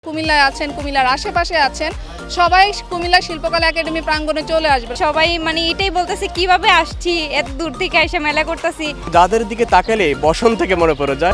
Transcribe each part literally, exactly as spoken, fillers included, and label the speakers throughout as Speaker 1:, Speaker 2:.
Speaker 1: কুমিল্লায় আছেন, কুমিল্লার আশেপাশে আছেন, সবাই কুমিল্লা শিল্পকলা একাডেমি প্রাঙ্গণে চলে আসবে।
Speaker 2: সবাই মানে এটাই বলতেছে কিভাবে আসছি, এত দূর থেকে এসে মেলা করতেছি।
Speaker 3: যাদের দিকে তাকালে বসন্ত থেকে মনে পড়ে যায়।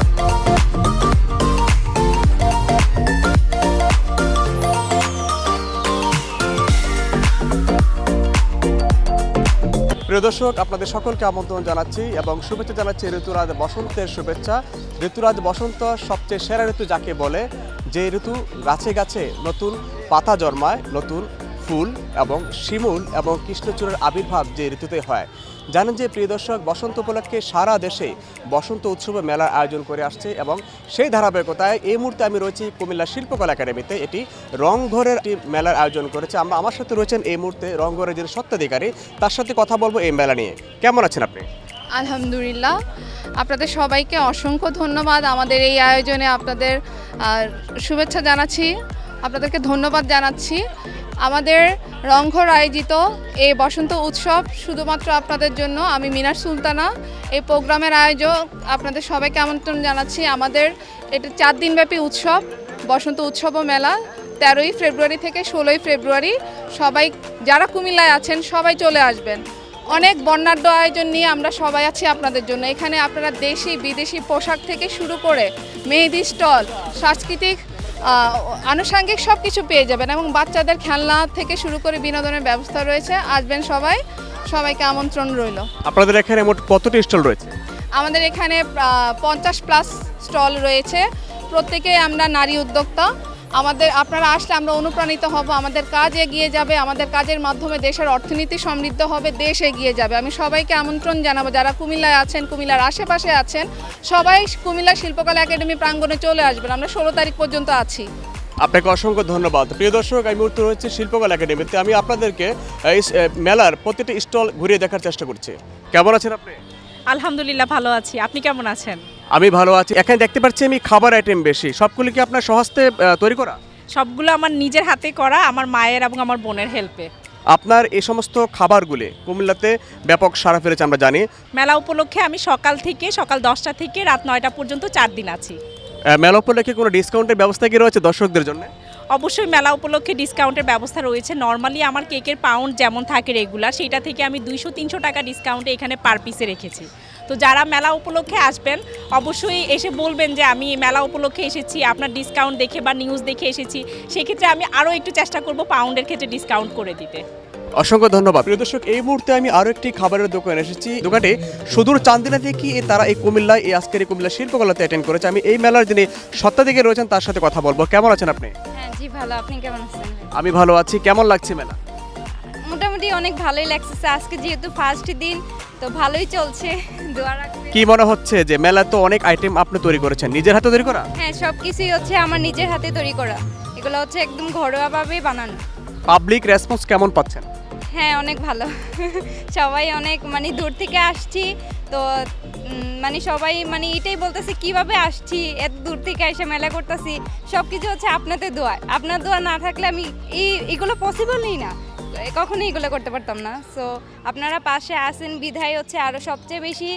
Speaker 3: প্রিয় দর্শক, আপনাদের সকলকে আমন্ত্রণ জানাচ্ছি এবং শুভেচ্ছা জানাচ্ছি ঋতুরাজ বসন্তের শুভেচ্ছা। ঋতুরাজ বসন্ত সবচেয়ে সেরা ঋতু যাকে বলে, যে ঋতু গাছে গাছে নতুন পাতা জন্মায়, নতুন ফুল এবং শিমুল এবং কৃষ্ণচূড়ের আবির্ভাব যে ঋতুতে হয়। জানেন যে প্রিয় দর্শক, বসন্ত উপলক্ষে সারা দেশে বসন্ত উৎসবে মেলার আয়োজন করে আসছে এবং সেই ধারাবাহিকতায় এই মুহূর্তে আমি রয়েছি কুমিল্লা শিল্পকলা একাডেমিতে। এটি রংঘরের একটি মেলার আয়োজন করেছে। আমরা আমার সাথে রয়েছেন এই মুহূর্তে রংঘরের যিনি স্বত্বাধিকারী, তার সাথে কথা বলবো এই মেলা নিয়ে। কেমন আছেন আপনি?
Speaker 1: আলহামদুলিল্লাহ, আপনাদের সবাইকে অসংখ্য ধন্যবাদ। আমাদের এই আয়োজনে আপনাদের শুভেচ্ছা জানাচ্ছি, আপনাদেরকে ধন্যবাদ জানাচ্ছি। আমাদের রংঘর আয়োজিত এই বসন্ত উৎসব শুধুমাত্র আপনাদের জন্য। আমি মিনার সুলতানা, এই প্রোগ্রামের আয়োজক। আপনাদের সবাইকে আমন্ত্রণ জানাচ্ছি। আমাদের এটা চার দিনব্যাপী উৎসব, বসন্ত উৎসব ও মেলা, তেরোই ফেব্রুয়ারি থেকে ষোলোই ফেব্রুয়ারি। সবাই যারা কুমিল্লায় আছেন সবাই চলে আসবেন। অনেক বর্ণাঢ্য আয়োজন নিয়ে আমরা সবাই আছি আপনাদের জন্য। এখানে আপনারা দেশি বিদেশি পোশাক থেকে শুরু করে মেহেদি স্টল, সাংস্কৃতিক আনুষঙ্গিক সব কিছু পেয়ে যাবেন এবং বাচ্চাদের খেলনা থেকে শুরু করে বিনোদনের ব্যবস্থা রয়েছে। আসবেন সবাই, সবাইকে আমন্ত্রণ রইল।
Speaker 3: আপনাদের এখানে মোট কতটি স্টল রয়েছে?
Speaker 1: আমাদের এখানে পঞ্চাশ প্লাস স্টল রয়েছে। প্রত্যেকে আমরা নারী উদ্যোক্তা। আমাদের আপনারা আসলে আমরা অনুপ্রাণিত হব, আমাদের কাজ এগিয়ে যাবে, আমাদের কাজের মাধ্যমে দেশের অর্থনীতি সমৃদ্ধ হবে, দেশ এগিয়ে যাবে। আমি সবাইকে আমন্ত্রণ জানাবো, যারা কুমিল্লায় আছেন, কুমিল্লার আশেপাশে আছেন, সবাই কুমিল্লা শিল্পকলা একাডেমি প্রাঙ্গণে চলে আসবেন। আমরা ষোলো তারিখ পর্যন্ত আছি।
Speaker 3: আপনাকে অসংখ্য ধন্যবাদ। প্রিয় দর্শক, এই মুহূর্তে রয়েছে শিল্পকলা একাডেমিতে। আমি আপনাদেরকে এই মেলার প্রতিটি স্টল ঘুরিয়ে দেখার চেষ্টা করছি। কেমন আছেন আপনি?
Speaker 2: আলহামদুলিল্লাহ ভালো আছি, আপনি কেমন আছেন?
Speaker 3: আমি ভালো আছি। এখানে দেখতে পাচ্ছি আমি খাবার আইটেম বেশি। সবগুলো কি আপনার স্বহস্তে তৈরি করা?
Speaker 2: সবগুলো আমার নিজের হাতে করা, আমার মায়ের এবং আমার বোনের হেল্পে।
Speaker 3: আপনার এই সমস্ত খাবারগুলি কুমিল্লাতে ব্যাপক সাড়া ফেলেছে আমরা জানি।
Speaker 2: মেলা উপলক্ষে আমি সকাল থেকে সকাল দশটা থেকে রাত নয়টা পর্যন্ত চার দিন আছি।
Speaker 3: মেলা উপলক্ষে কোনো ডিসকাউন্টের ব্যবস্থা কি রয়েছে দর্শকদের জন্য?
Speaker 2: অবশ্যই মেলা উপলক্ষে ডিসকাউন্টের ব্যবস্থা রয়েছে। নর্মালি আমার কেকের পাউন্ড যেমন থাকে রেগুলার, সেইটা থেকে আমি দুইশো তিনশো টাকা ডিসকাউন্টে এখানে পার পিসে রেখেছি। তো যারা মেলা উপলক্ষে আসবেন অবশ্যই এসে বলবেন যে আমি মেলা উপলক্ষে এসেছি, আপনার ডিসকাউন্ট দেখে বা নিউজ দেখে এসেছি। সেক্ষেত্রে আমি আরও একটু চেষ্টা করব পাউন্ডের ক্ষেত্রে ডিসকাউন্ট করে দিতে।
Speaker 3: অসংখ্য ধন্যবাদ। প্রিয় দর্শক, এই মুহূর্তে আমি আরও একটি খাবারের দোকানে এসেছি। দোকানটি সুদূর চান্দিনা থেকে তারা এই কুমিল্লায় এই আজকের এই কুমিল্লা শিল্পকলাতে অ্যাটেন্ড করেছে। আমি এই মেলার যিনি স্বত্বাধিকারী রয়েছেন তার সাথে কথা বলবো। কেমন আছেন আপনি?
Speaker 2: হ্যাঁ জি ভালো, আপনি কেমন আছেন?
Speaker 3: আমি ভালো আছি। কেমন লাগছে মেলা?
Speaker 2: মোটামুটি অনেক ভালোই লাগছে। আজকে যেহেতু ফার্স্ট দিন, তো ভালোই চলছে। দোয়া রাখবেন।
Speaker 3: কি মনে হচ্ছে যে মেলা তো অনেক আইটেম আপনি তৈরি করেছেন, নিজের হাতে তৈরি করা?
Speaker 2: হ্যাঁ, সব কিছুই হচ্ছে আমার নিজের হাতে তৈরি করা। এগুলো হচ্ছে একদম ঘরোয়াভাবে বানানো।
Speaker 3: পাবলিক রেসপন্স কেমন পাচ্ছেন?
Speaker 2: হ্যাঁ, অনেক ভালো। সবাই অনেক মানে দূর থেকে আসছি, তো মানে সবাই মানে এটাই বলতেছে কিভাবে আসছি, এত দূর থেকে এসে মেলা করতেছি। সব কিছু হচ্ছে আপনাদের দোয়া। আপনার দোয়া না থাকলে আমি এই এগুলো পসিবলই না, কখনোই এগুলো করতে পারতাম না। সো আপনারা পাশে আসেন বিধায় হচ্ছে আরও সবচেয়ে বেশি।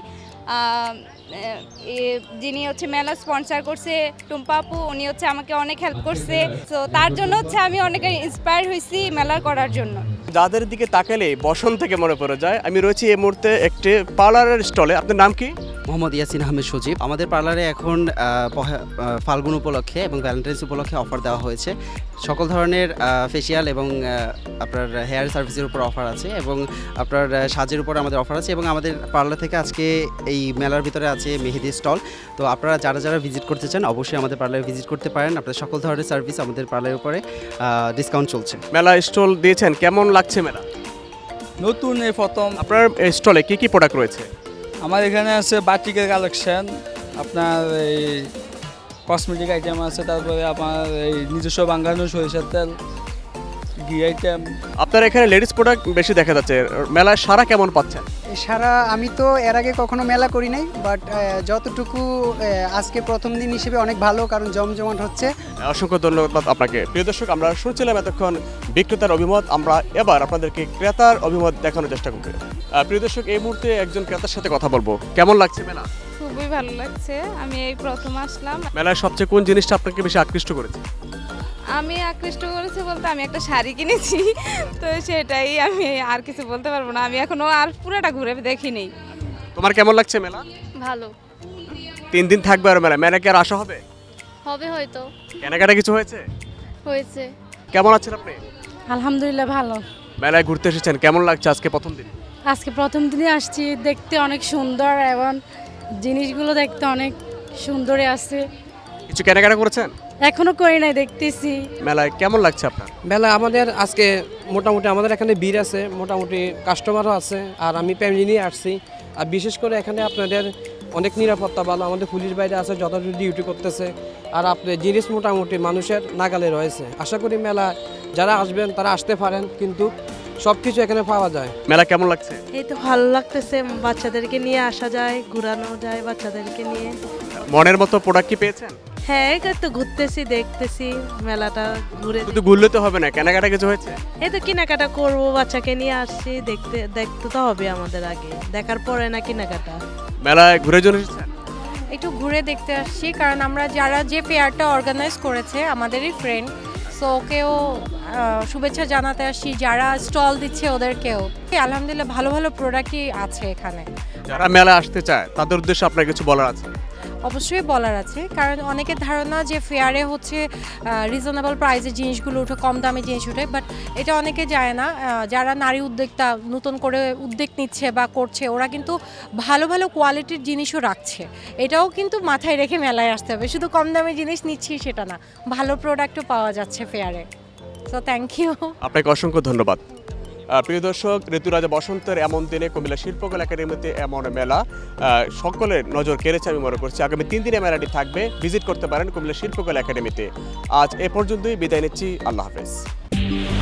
Speaker 2: যিনি হচ্ছে মেলা স্পন্সর করছে টুম্পা আপু, উনি হচ্ছে আমাকে অনেক হেল্প করছে। সো তার জন্য হচ্ছে আমি অনেক ইন্সপায়ার হয়েছি মেলা করার জন্য। যাদের
Speaker 3: দিকে তাকালে বসন্ত থেকে মনে পড়ে যায়। আমি রয়েছি এই মুহূর্তে একটি পার্লারের স্টলে। আপনার নাম কি?
Speaker 4: মোহাম্মদ ইয়াসিন আহমেদ সজীব। আমাদের পার্লারে এখন ফাল্গুন উপলক্ষে এবং ভ্যালেন্টাইন্স উপলক্ষে অফার দেওয়া হয়েছে। সকল ধরনের ফেসিয়াল এবং আপনার হেয়ার সার্ভিসের উপর অফার আছে এবং আপনার সাজের উপর আমাদের অফার আছে। এবং আমাদের পার্লার থেকে আজকে এই মেলার ভিতরে আছে মেহেদি স্টল। তো আপনারা যারা যারা ভিজিট করতে চান অবশ্যই আমাদের পার্লারে ভিজিট করতে পারেন। আপনার সকল ধরনের সার্ভিস আমাদের পার্লারের উপরে ডিসকাউন্ট চলছে।
Speaker 3: মেলা স্টল দিয়েছেন, কেমন লাগছে মেলা?
Speaker 5: নতুন এই প্রথম।
Speaker 3: আপনার স্টলে কি কি প্রোডাক্ট রয়েছে?
Speaker 5: আমার এখানে আছে বাটিকের কালেকশন, আপনার এই কসমেটিক আইটেম আছে, তারপরে আমার এই নিজস্ব বাঙ্গানো সরিষার তেল, ঘি আইটেম।
Speaker 3: আপনার এখানে লেডিস প্রোডাক্ট বেশি দেখা যাচ্ছে। মেলায় সারা কেমন পাচ্ছেন?
Speaker 6: সারা আমি তো এর আগে কখনো মেলা করি নাই, বাট যতটুকু আজকে প্রথম দিন হিসেবে অনেক ভালো, কারণ জমজমাট হচ্ছে।
Speaker 3: অসংখ্য ধন্যবাদ আপনাকে। প্রিয় দর্শক, আমরা শুনছিলাম এতক্ষণ বিক্রেতার অভিমত। আমরা এবার আপনাদেরকে ক্রেতার অভিমত দেখানোর চেষ্টা করব। প্রিয় দর্শক, এই মুহূর্তে একজন ক্রেতার সাথে কথা বলবো। কেমন লাগছে মেলা?
Speaker 1: খুবই ভালো লাগছে। আমি এই প্রথম আসলাম।
Speaker 3: মেলায় সবচেয়ে কোন জিনিসটা আপনাকে বেশি আকৃষ্ট করেছে?
Speaker 2: আমি আকৃষ্ট করেছি বলতে আমি একটা শাড়ি কিনেছি, তো সেটাই, আমি আর কিছু বলতে পারবো না। আমি এখনো আর পুরোটা ঘুরে দেখিনি।
Speaker 3: তোমার কেমন লাগছে মেলা?
Speaker 1: ভালো
Speaker 3: তিন দিন থাকবে আর মেলা, মেলা কি আর আসা হবে?
Speaker 1: হবে হয়তো।
Speaker 3: কেনাকাটা কিছু হয়েছে?
Speaker 1: হয়েছে।
Speaker 3: কেমন আছেন আপনি?
Speaker 7: আলহামদুলিল্লাহ ভালো।
Speaker 3: মেলায় ঘুরতে এসেছেন, কেমন লাগছে আজকে প্রথম দিন?
Speaker 7: আজকে প্রথম দিনে আসছি, দেখতে অনেক সুন্দর এবং জিনিসগুলো দেখতে অনেক সুন্দরই আছে।
Speaker 3: কিছু কেনাকাটা করেছেন?
Speaker 7: এখনো করি নাই, দেখতেছি।
Speaker 3: মেলায় কেমন লাগছে আপনার?
Speaker 8: মেলা আমাদের আজকে মোটামুটি আমাদের এখানে ভিড় আছে, মোটামুটি কাস্টমারও আছে, আর আমি ফ্যামিলি নিয়ে আসছি। আর বিশেষ করে এখানে আপনাদের অনেক নিরাপত্তা ভালো, আমাদের পুলিশ বাইরে আছে, যথাযথ ডিউটি করতেছে। আর আপনার জিনিস মোটামুটি মানুষের নাগালে রয়েছে। আশা করি মেলা যারা আসবেন তারা আসতে পারেন, কিন্তু সব কিছু এখানে পাওয়া যায়।
Speaker 3: মেলা কেমন লাগছে?
Speaker 9: এই তো ভালো লাগতেছে, বাচ্চাদেরকে নিয়ে আসা যায়, ঘোরানো যায় বাচ্চাদেরকে নিয়ে।
Speaker 3: মনের মতো প্রোডাক্ট কি পেয়েছেন?
Speaker 9: হ্যাঁ, এই তো ঘুরতেছি, দেখতেছি মেলাটা ঘুরে।
Speaker 3: শুধু ঘুরলে তো হবে না, কেনাকাটা কিছু হয়েছে?
Speaker 9: এই তো কেনাকাটা করবো, বাচ্চাকে নিয়ে আসছি, দেখতে দেখতে তো হবে আমাদের, আগে দেখার পরে না কেনাকাটা।
Speaker 3: মেলায় ঘুরে জন্য এসেছেন?
Speaker 10: একটু ঘুরে দেখতে আসছি, কারণ আমরা যারা যে ফেয়ারটা অর্গানাইজ করেছে আমাদেরই ফ্রেন্ড, সো ওকেও আহ, শুভেচ্ছা জানাতে আসছি, যারা স্টল দিচ্ছে ওদেরকেও। আলহামদুলিল্লাহ ভালো ভালো প্রোডাক্টই আছে এখানে।
Speaker 3: যারা মেলা আসতে চায় তাদের উদ্দেশ্যে আপনার কিছু বলার আছে?
Speaker 10: অবশ্যই বলার আছে, কারণ অনেকের ধারণা যে ফেয়ারে হচ্ছে রিজনেবল প্রাইসের জিনিসগুলো উঠে, কম দামে জিনিস উঠে, বাট এটা অনেকে যায় না। আহ, যারা নারী উদ্যোক্তা নতুন করে উদ্যোগ নিচ্ছে বা করছে, ওরা কিন্তু ভালো ভালো কোয়ালিটির জিনিসও রাখছে। এটাও কিন্তু মাথায় রেখে মেলায় আসতে হবে, শুধু কম দামে জিনিস নিচ্ছি সেটা না, ভালো প্রোডাক্টও পাওয়া যাচ্ছে ফেয়ারে। So thank you.
Speaker 3: আপনাকে অসংখ্য ধন্যবাদ। আহ, প্রিয় দর্শক, ঋতুরাজ বসন্তের এমন দিনে কুমিল্লা শিল্পকলা একাডেমিতে এমন মেলা আহ, সকলের নজর কেড়েছে আমি মনে করছি। আগামী তিন দিনে মেলাটি থাকবে, ভিজিট করতে পারেন কুমিল্লা শিল্পকলা একাডেমিতে। আজ এ পর্যন্তই বিদায় নিচ্ছি, আল্লাহ হাফেজ।